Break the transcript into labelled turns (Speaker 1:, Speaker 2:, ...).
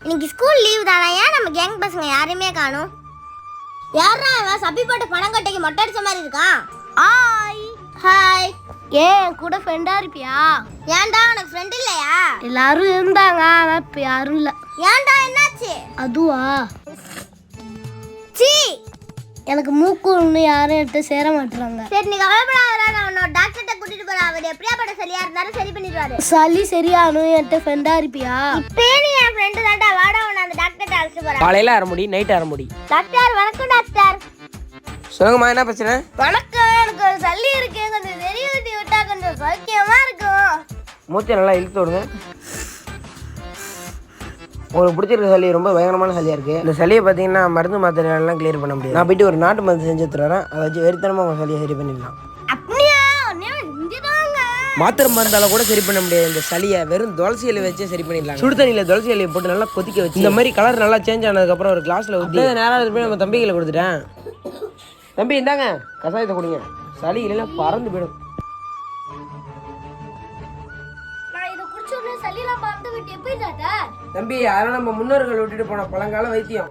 Speaker 1: இன்னைக்கு school leave தானே, ஏன் நம்ம கேங் பசங்க யாரையுமே காணும்? யாரா இவன் சப்பி போட்டு பணம் கட்டைக்கு மொட்டை அடிச்ச மாதிரி இருக்கான்? Hi hi.
Speaker 2: ஏன் கூட ஃப்ரெண்டா இருப்பியா?
Speaker 1: ஏன்டா உனக்கு ஃப்ரெண்ட் இல்லையா?
Speaker 2: எல்லாரும் இருந்தாங்க, ஆனா இப்ப யாரும் இல்ல.
Speaker 1: ஏன்டா என்னாச்சு?
Speaker 2: அதுவா,
Speaker 1: சீ,
Speaker 2: எனக்கு மூக்கு ஒண்ணு யாரும் என்கிட்ட சேர மாட்டாங்க.
Speaker 1: சரி நீ கவலைப்படாதடா, நான் உன்னோட டாக்டர்கிட்ட கூட்டிட்டு போறேன். அவர் எப்படியாப்பட்ட சளியா இருந்தாலும் சரி பண்ணிடுவாரு.
Speaker 2: சளி சரியானும் என்கிட்ட ஃப்ரெண்டா இருப்பியா?
Speaker 1: இப்பயே நீ என் ஃப்ரெண்டு தான்டா, வாடா உன்னை அந்த டாக்டர்கிட்ட அழைச்சிட்டு போறேன்.
Speaker 3: காலையில அரைமுடி, நைட் அரைமுடி.
Speaker 1: டாக்டர் வணக்கம் டாக்டர்.
Speaker 3: சொல்லுங்கம்மா, என்ன பிரச்சனை?
Speaker 1: வணக்கம், எனக்கு ஒரு சளி இருக்கு, கொஞ்சம் வெறி ஊட்டி விட்டா கொஞ்சம் சௌக்கியமா இருக்கும்.
Speaker 3: மூச்சை நல்லா இழுத்து விடுங்க. உங்களுக்கு பிடிச்சிருக்க சளி ரொம்ப பயங்கரமான சளியாக இருக்குது. இந்த சளியை பார்த்தீங்கன்னா மருந்து மாத்திரைலாம் கிளியர் பண்ண முடியாது. நான் போயிட்டு ஒரு நாட்டு மருந்து செஞ்சு தரேன், அதை வச்சு வெறித்தனமாக உங்கள் சளியை சரி பண்ணிடலாம்.
Speaker 1: அப்படியா? இங்கதாங்க
Speaker 3: மாத்திரை மருந்தால கூட சரி பண்ண முடியாது இந்த சளியை, வெறும் துளசி இலையை வச்சு சரி பண்ணிடலாம். சுடு தண்ணியில் துளசி இலையை போட்டு நல்லா கொதிக்க வச்சு இந்த மாதிரி கலர் நல்லா சேஞ்ச் ஆனதுக்கப்புறம் ஒரு கிளாஸில் ஊற்றி நேராக போய் நம்ம தம்பிகளை கொடுத்துட்டேன். தம்பி இந்தாங்க கசாயத்தை கொடுங்க, சளி இல்லைன்னா பறந்து போயிடும்.
Speaker 2: நான் இத குடிச்ச உடனே சளிலாம் பறந்து விட்டு எப்படி டாக்டர்?
Speaker 3: தம்பி அதெல்லாம் நம்ம முன்னோர்கள் விட்டுட்டு போன பழங்கால வைத்தியம்.